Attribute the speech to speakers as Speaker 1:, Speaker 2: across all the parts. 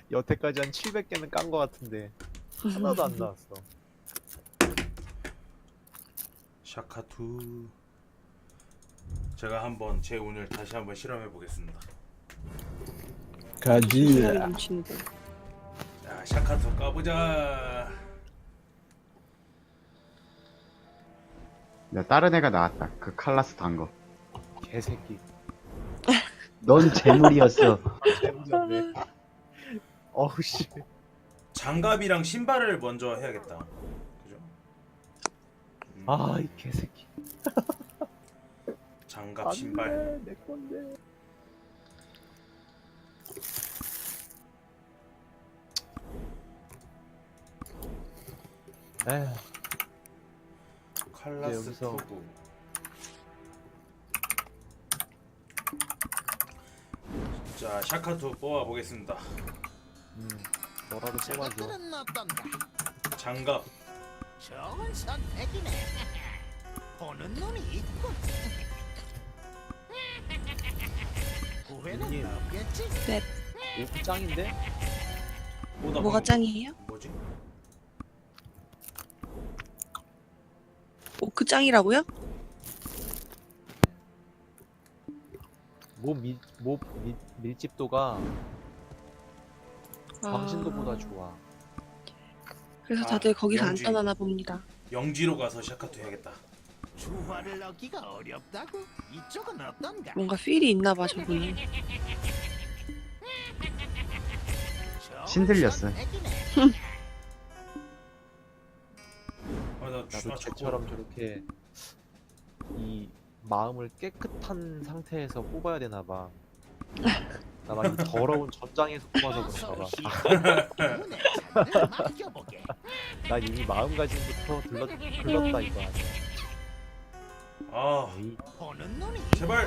Speaker 1: 여태까지 한 700개는 깐 거 같은데 하나도 안 나왔어.
Speaker 2: 샤카투. 제가 한번 제 운을 다시 한번 실험해 보겠습니다.
Speaker 3: 가지.
Speaker 4: 신나게 넘치는데.
Speaker 2: 자, 샤카투 까보자.
Speaker 5: 야, 다른 애가 나왔다. 그 칼라스 단 거.
Speaker 1: 개새끼.
Speaker 5: 넌 재물이었어.
Speaker 1: 재밌네. 어우 씨.
Speaker 2: 장갑이랑 신발을 먼저 해야겠다. 그죠?
Speaker 1: 아 이 개새끼.
Speaker 2: 장갑, 신발.
Speaker 1: 안돼 내 건데. 에휴.
Speaker 2: 칼라스
Speaker 1: 여기서-
Speaker 2: 투구. 자, 샤카투 뽑아 보겠습니다.
Speaker 1: 너라도 뽑아줘.
Speaker 6: 저것들은 어떤가?
Speaker 2: 장갑.
Speaker 6: 좋은 선택이네. 보는 눈이 있군. 후회는
Speaker 1: 이게-
Speaker 6: 없겠지?
Speaker 1: 오 짱인데?
Speaker 2: 보다
Speaker 4: 뭐가
Speaker 2: 보면-
Speaker 4: 짱이에요?
Speaker 2: 뭐지?
Speaker 4: 오크 짱이라고요?
Speaker 1: 밀집도가
Speaker 4: 아,
Speaker 1: 광신도보다 좋아.
Speaker 4: 그래서 다들 거기서 안
Speaker 2: 영지.
Speaker 4: 떠나나 봅니다.
Speaker 2: 영지로 가서 샤카투 해야겠다.
Speaker 6: 주화를 얻기가 어렵다고? 이쪽은 어떤가?
Speaker 4: 뭔가 필이 있나 봐 저분은.
Speaker 6: 좋은
Speaker 5: 신들렸어.
Speaker 6: 선택이네.
Speaker 2: 아, 나
Speaker 1: 나도 쟤처럼 저렇게 이 마음을 깨끗한 상태에서 뽑아야 되나 봐. 나 막 이 더러운 전장에서 뽑아서 그런가 봐.
Speaker 6: 운에 잔을 맡겨보게.
Speaker 1: 난 이미 마음가짐부터 글렀다 이거 아니야.
Speaker 2: 아,
Speaker 1: 에이,
Speaker 6: 보는 눈이
Speaker 2: 제발.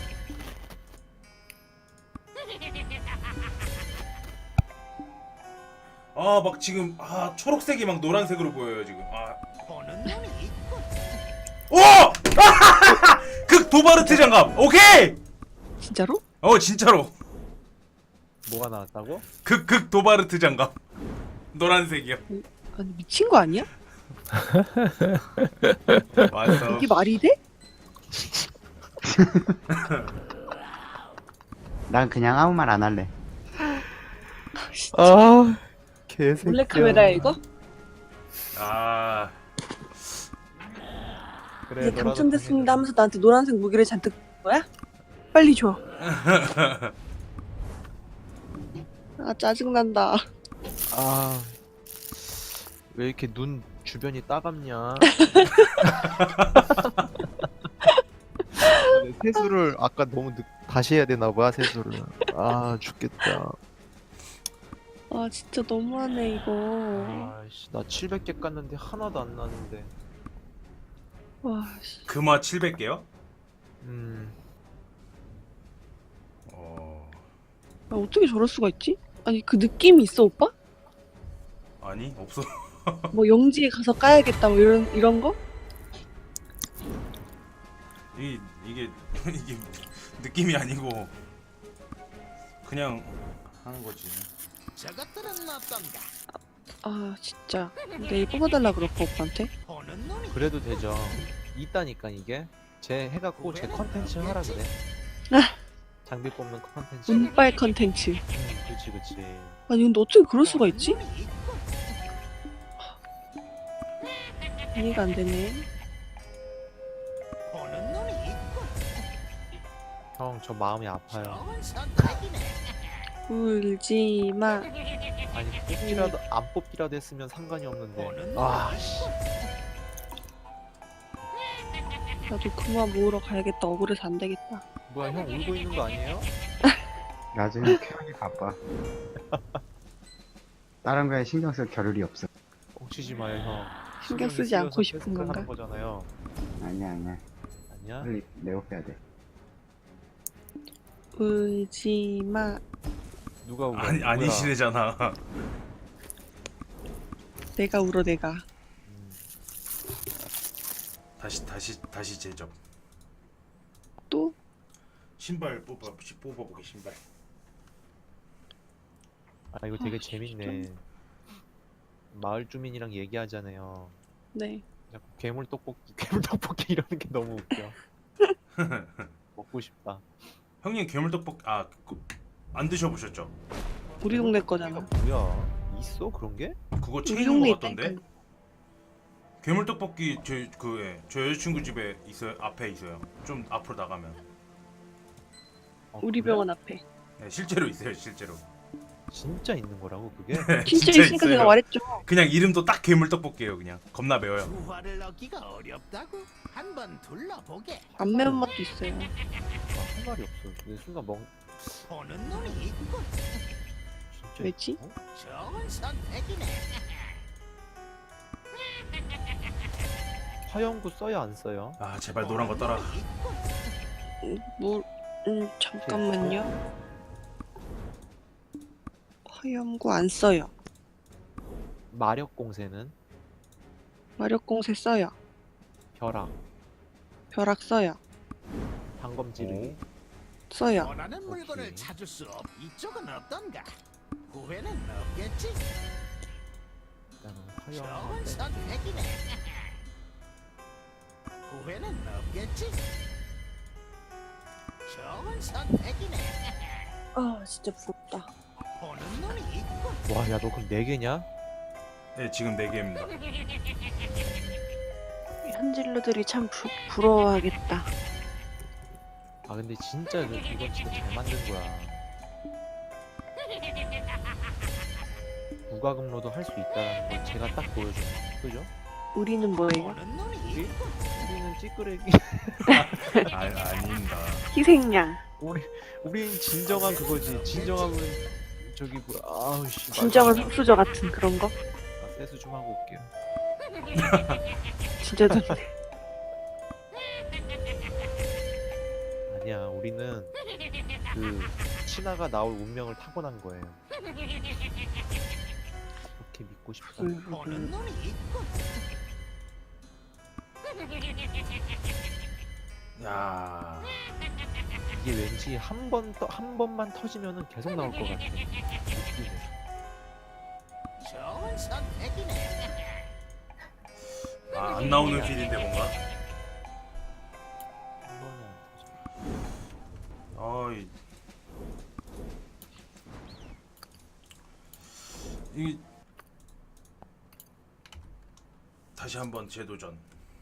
Speaker 2: 아, 막 지금 초록색이 막 노란색으로 보여요 지금.
Speaker 6: 보는 눈이 있군.
Speaker 2: 오! 극 도바르트 장갑. 오케이.
Speaker 4: 진짜로?
Speaker 2: 진짜로.
Speaker 1: 뭐가 나왔다고?
Speaker 2: 극 도바르트 장갑. 노란색이요.
Speaker 4: 아니 미친 거 아니야?
Speaker 2: 맞어.
Speaker 4: 이게 말이 돼?
Speaker 5: 난 그냥 아무 말 안 할래.
Speaker 1: 아 개새끼야.
Speaker 4: 몰래 카메라야 이거?
Speaker 2: 아,
Speaker 1: 그래,
Speaker 4: 이제
Speaker 1: 너라도
Speaker 4: 당첨됐습니다 하면서 나한테 노란색 무기를 잔뜩 준 거야? 빨리 줘. 아 짜증난다.
Speaker 1: 아, 왜 이렇게 눈 주변이 따갑냐? 세수를 아까 너무 다시 해야 되나 봐, 세수를. 아, 죽겠다.
Speaker 4: 아 진짜 너무하네 이거.
Speaker 1: 아씨, 나 700개 깠는데 하나도 안 나는데.
Speaker 4: 와 씨.
Speaker 2: 금화 700개요?
Speaker 4: 아, 어떻게 저럴 수가 있지? 아니 그 느낌이 있어 오빠?
Speaker 2: 아니, 없어.
Speaker 4: 뭐 영지에 가서 까야겠다 뭐 이런 거?
Speaker 2: 이게 느낌이 아니고 그냥 하는 거지.
Speaker 6: 저것들은 어떤가?
Speaker 4: 아 진짜 내일 뽑아달라 그럴까 오빠한테?
Speaker 6: 보는 눈이
Speaker 1: 그래도 되죠. 있다니까 이게. 쟤 해갖고 쟤 컨텐츠 하라 그래. 장비 뽑는 컨텐츠.
Speaker 4: 운빨 컨텐츠.
Speaker 1: 그치 그치.
Speaker 4: 아니 근데 어떻게 그럴 수가 있지?
Speaker 6: 눈이 있군.
Speaker 4: 이해가 안 되네.
Speaker 6: 보는 눈이 있군.
Speaker 1: 형, 저 마음이 아파요.
Speaker 6: 좋은 선택이네.
Speaker 4: 울지 마.
Speaker 1: 아니 뽑기라도 안 뽑기라도 했으면 상관이 없는데.
Speaker 6: 보는
Speaker 1: 아,
Speaker 6: 눈이
Speaker 1: 씨.
Speaker 4: 나도 그만 모으러 가야겠다. 억울해서 안 되겠다.
Speaker 1: 뭐야, 형 울고 있는 거 아니에요?
Speaker 5: 나중에 캐하기 바빠. 다른 거에 신경 쓸 겨를이 없어.
Speaker 1: 옥치지 마요, 형.
Speaker 4: 신경 쓰지
Speaker 1: 쓰여서
Speaker 4: 않고 싶은
Speaker 1: 테스트를
Speaker 4: 건가?
Speaker 1: 하는 거잖아요.
Speaker 5: 아니야.
Speaker 1: 아니야?
Speaker 5: 빨리 내고 빼야 돼.
Speaker 4: 울지 마.
Speaker 1: 누가 울어?
Speaker 2: 아니시래잖아.
Speaker 4: 내가 울어 내가.
Speaker 1: 음,
Speaker 2: 다시 제접.
Speaker 4: 또?
Speaker 2: 신발 뽑아보게 신발.
Speaker 1: 아 이거 되게 재밌네. 마을 주민이랑 얘기하잖아요.
Speaker 4: 네.
Speaker 1: 자꾸 괴물 떡볶이, 괴물 떡볶이 이러는 게 너무 웃겨. 먹고 싶다.
Speaker 2: 형님 괴물떡볶이 안 드셔보셨죠?
Speaker 4: 우리 동네
Speaker 1: 이거
Speaker 4: 거잖아.
Speaker 1: 뭐야? 있어 그런 게?
Speaker 2: 그거
Speaker 4: 우리
Speaker 2: 체인인
Speaker 4: 동네
Speaker 2: 것 같던데?
Speaker 4: 있다니까.
Speaker 2: 괴물떡볶이 저 여자친구 집에 있어요. 앞에 있어요. 좀 앞으로 나가면.
Speaker 4: 우리
Speaker 1: 그래?
Speaker 4: 병원 앞에.
Speaker 2: 네, 실제로 있어요. 실제로.
Speaker 1: 진짜 있는 거라고 그게?
Speaker 4: 진짜 있으니까 제가 말했죠.
Speaker 2: 그냥 이름도 딱 괴물떡볶이에요. 그냥 겁나 매워요.
Speaker 6: 부활을 얻기가 어렵다고? 한번 둘러보게.
Speaker 4: 안 매운 맛도 있어요.
Speaker 1: 아, 할 말이 없어. 근데 순간
Speaker 6: 보는 눈이 있군.
Speaker 1: 진짜
Speaker 4: 왜지?
Speaker 1: 있어?
Speaker 6: 좋은 선택이네.
Speaker 1: 화염구 써요 안 써요?
Speaker 2: 아 제발 노란 거 떠라.
Speaker 4: 잠깐만요. 화염구 안 써요.
Speaker 1: 마력 공세는
Speaker 4: 마력공세 써요.
Speaker 1: 벼락,
Speaker 4: 벼락 써요.
Speaker 1: 방검 찌르기,
Speaker 4: 써요.
Speaker 6: 원하는 물건을
Speaker 1: 오케이.
Speaker 6: 찾을 수 이쪽은 어떤가? 후회는 없겠지?
Speaker 1: 일단은 화염
Speaker 6: 좋은
Speaker 1: 하나
Speaker 6: 선택이네. 후회는 없겠지? 좋은 선택이네.
Speaker 4: 아 진짜 부럽다.
Speaker 6: 보는 눈이 있군.
Speaker 1: 빼. 와, 야 너 그럼 4개냐?
Speaker 2: 네 지금 4개입니다.
Speaker 4: 현질러들이 참 부러워하겠다.
Speaker 1: 아 근데 진짜 이건 진짜 잘 만든 거야. 무과금로도 할 수 있다는 걸 제가 딱 보여준 거. 그죠?
Speaker 4: 우리는 뭐예요?
Speaker 6: 보는 눈이
Speaker 1: 우리?
Speaker 6: 있군.
Speaker 1: 우리는 찌끄레기.
Speaker 2: 아닙니다.
Speaker 4: 희생양.
Speaker 1: 우린 진정한 그거지. 진정한 저기 뭐야? 아우 씨.
Speaker 4: 진정한 흑수저 같은 그런 거?
Speaker 1: 아, 세수 좀 하고 올게요.
Speaker 4: 진짜 좋네.
Speaker 1: 아니야, 우리는 그 신화가 나올 운명을 타고난 거예요. 그렇게 믿고 싶다.
Speaker 6: 보는 눈이 있군.
Speaker 2: 야
Speaker 1: 이게 왠지 한 번만 터지면은 계속 나올 것 같아. 웃기네.
Speaker 6: 좋은 선택이네.
Speaker 2: 안 나오는 필인데 뭔가.
Speaker 1: 한 번이 안 터져.
Speaker 2: 어이 이 다시 한번 재도전.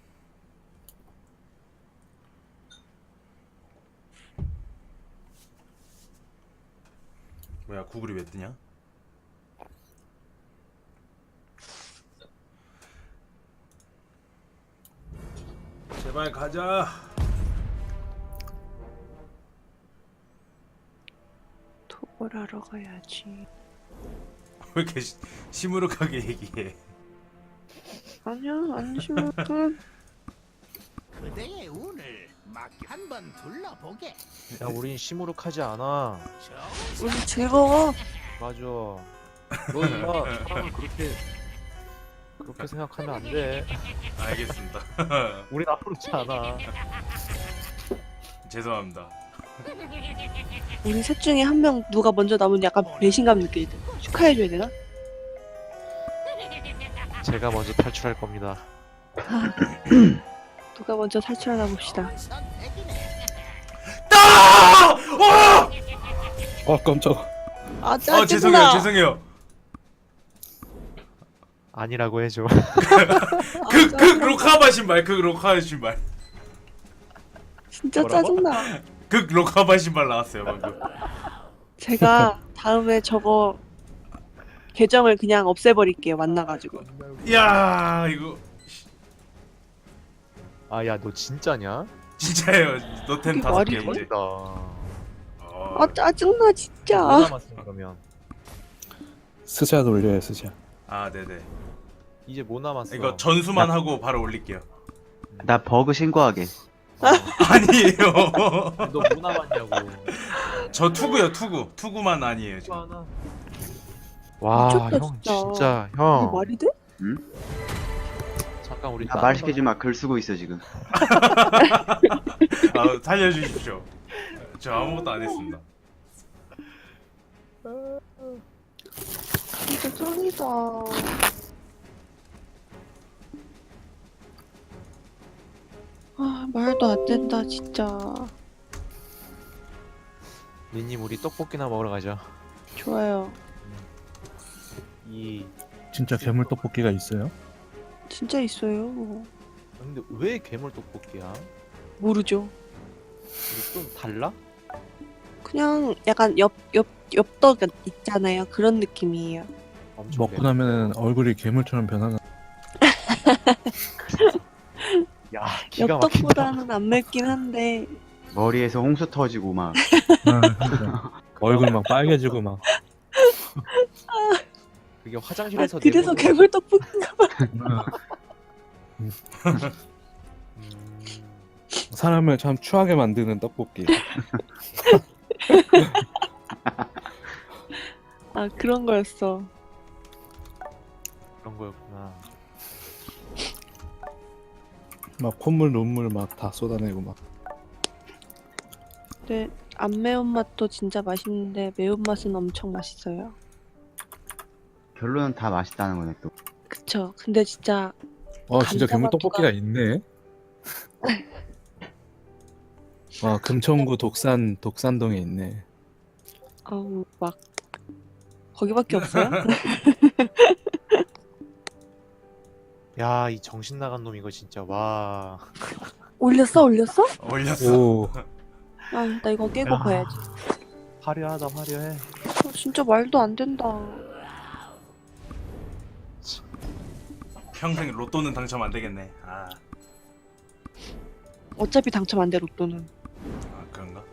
Speaker 2: 뭐야 구글이 왜 뜨냐? 제발 가자.
Speaker 4: 토벌하러 가야지.
Speaker 2: 왜 이렇게 시무룩하게 얘기해?
Speaker 4: 아니야 안 심각한.
Speaker 6: 그대의 운을 한번 둘러보게.
Speaker 1: 야, 우린 시무룩하지 않아.
Speaker 6: 좋은
Speaker 4: 우리 즐거워.
Speaker 1: 맞아. 너 인마 사람을 그렇게 생각하면 안 돼.
Speaker 2: 알겠습니다.
Speaker 1: 우린 아무렇지 않아.
Speaker 2: 죄송합니다.
Speaker 4: 우리 셋 중에 한 명 누가 먼저 나오면 약간 배신감 느껴야 돼. 축하해줘야 되나?
Speaker 1: 제가 먼저 탈출할 겁니다.
Speaker 4: 누가 먼저 탈출하나 봅시다.
Speaker 6: 선택이네.
Speaker 3: 깜짝.
Speaker 4: 아
Speaker 2: 죄송해요,
Speaker 4: 짜증나.
Speaker 2: 죄송해요.
Speaker 1: 아니라고 해줘.
Speaker 2: 그 로카바 신발, 그 로카바 신발,
Speaker 4: 진짜
Speaker 1: 뭐라고?
Speaker 4: 짜증나.
Speaker 2: 그 로카바 신발 나왔어요 방금.
Speaker 4: 제가 다음에 저거 계정을 그냥 없애버릴게요. 만나가지고.
Speaker 2: 이야 이거
Speaker 1: 아, 야, 너 진짜냐?
Speaker 2: 진짜예요. 노템
Speaker 4: 이게
Speaker 2: 5개
Speaker 4: 말이
Speaker 2: 이제.
Speaker 1: 멋있다.
Speaker 4: 아 짜증나 진짜.
Speaker 1: 뭐 남았어 그러면?
Speaker 3: 스자 돌려요 스자.
Speaker 2: 아 네네.
Speaker 1: 이제 뭐 남았어?
Speaker 2: 이거 전수만 하고 바로 올릴게요.
Speaker 5: 나 버그 신고하게.
Speaker 2: 아니에요.
Speaker 1: 너 뭐 남았냐고.
Speaker 2: 저 투구요 투구만 아니에요 지금.
Speaker 1: 하나. 와,
Speaker 4: 미쳤다,
Speaker 1: 형
Speaker 4: 진짜.
Speaker 1: 진짜
Speaker 4: 이게
Speaker 1: 형.
Speaker 4: 말이 돼?
Speaker 1: 잠깐 우리
Speaker 5: 나 말 시키지 마. 글 쓰고 있어 지금.
Speaker 2: 아 살려주십시오. 저 아무것도 안 했습니다.
Speaker 4: 힘들다. 아, 말도 안 된다, 진짜.
Speaker 1: 리님 우리 떡볶이나 먹으러 가자.
Speaker 4: 좋아요.
Speaker 1: 이
Speaker 3: 진짜 괴물 떡볶이가 있어요?
Speaker 4: 진짜 있어요.
Speaker 1: 근데 왜 괴물 떡볶이야?
Speaker 4: 모르죠.
Speaker 1: 이게 좀 달라?
Speaker 4: 그냥 약간 엽떡 있잖아요. 그런 느낌이에요.
Speaker 1: 엄청
Speaker 3: 먹고 나면 얼굴이 괴물처럼 변하는.
Speaker 1: 야 기가 막힌다.
Speaker 4: 엽떡보다는 안 맵긴 한데
Speaker 5: 머리에서 홍수 터지고 막.
Speaker 3: 그러니까. 얼굴 막 빨개지고 막.
Speaker 1: 그게
Speaker 4: 아,
Speaker 1: 화장실에서
Speaker 4: 그래서
Speaker 1: 내보내고-
Speaker 4: 괴물 떡볶인가 봐.
Speaker 1: 음,
Speaker 3: 사람을 참 추하게 만드는 떡볶이.
Speaker 4: 아, 그런 거였어.
Speaker 1: 그런 거였구나.
Speaker 3: 막 콧물 눈물 막 다 쏟아내고 막.
Speaker 4: 근데 안 매운맛도 진짜 맛있는데 매운맛은 엄청 맛있어요.
Speaker 5: 결론은 다 맛있다는 거네 또.
Speaker 4: 그쵸. 근데 진짜
Speaker 3: 진짜 괴물
Speaker 4: 감자맛
Speaker 3: 떡볶이가 있네. 금천구 독산동에 있네.
Speaker 4: 아우 막 거기밖에 없어요?
Speaker 1: 야 이 정신 나간 놈 이거 진짜 와.
Speaker 4: 올렸어?
Speaker 2: 올렸어.
Speaker 3: 오,
Speaker 4: 아, 나 이거 깨고
Speaker 1: 야.
Speaker 4: 봐야지.
Speaker 1: 화려하다 화려해.
Speaker 4: 진짜 말도 안 된다.
Speaker 2: 평생 로또는 당첨 안 되겠네.
Speaker 4: 어차피 당첨 안 돼, 로또는.
Speaker 2: 그런가?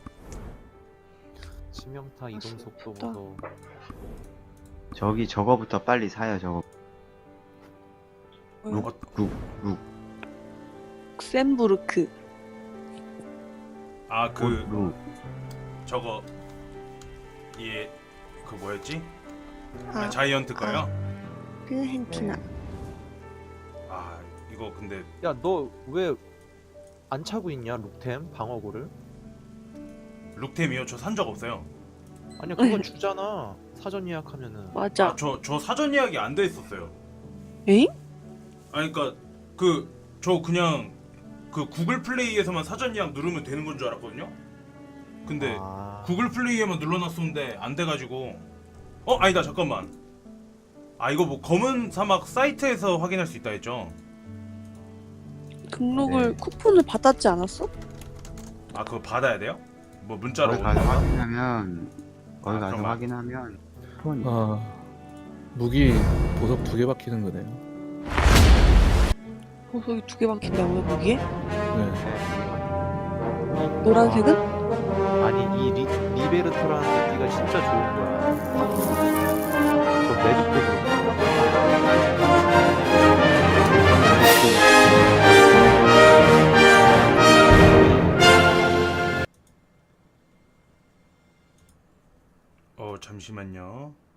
Speaker 1: 치명타 이동 속도
Speaker 4: 좋다.
Speaker 1: 무서워.
Speaker 5: 저거부터 빨리 사요 저거.
Speaker 4: 뭐요?
Speaker 5: 룩.
Speaker 4: 샘부르크.
Speaker 5: 룩.
Speaker 2: 저거 그 뭐였지?
Speaker 4: 아,
Speaker 2: 자이언트 거요?
Speaker 4: 필헨티나.
Speaker 2: 이거 근데
Speaker 1: 야 너 왜 안 차고 있냐 룩템 방어구를?
Speaker 2: 룩템이요? 저 산 적 없어요.
Speaker 1: 아니야 그거 주잖아 사전 예약하면은.
Speaker 4: 맞아.
Speaker 2: 저 사전 예약이 안 돼 있었어요.
Speaker 4: 에잉?
Speaker 2: 그러니까 저 그냥 그 구글 플레이에서만 사전 예약 누르면 되는 건 줄 알았거든요. 근데
Speaker 1: 아,
Speaker 2: 구글 플레이에만 눌러놨었는데 안 돼가지고 아니다 잠깐만. 이거 뭐 검은 사막 사이트에서 확인할 수 있다 했죠?
Speaker 4: 등록을
Speaker 5: 네.
Speaker 4: 쿠폰을 받았지 않았어?
Speaker 2: 그거 받아야 돼요? 뭐 문자로
Speaker 5: 거기
Speaker 2: 오는
Speaker 5: 가서
Speaker 2: 건가?
Speaker 5: 확인하면
Speaker 2: 그럼
Speaker 5: 확인하면 폰이.
Speaker 3: 무기 보석 2개 박히는 거네요.
Speaker 4: 보석이 2개 박힌다고요, 거기에?
Speaker 3: 네.
Speaker 4: 노란색은?
Speaker 1: 아니 이 리베르토라는 무기가 진짜 좋은 거야. 저 매듭도
Speaker 2: 잠시만요.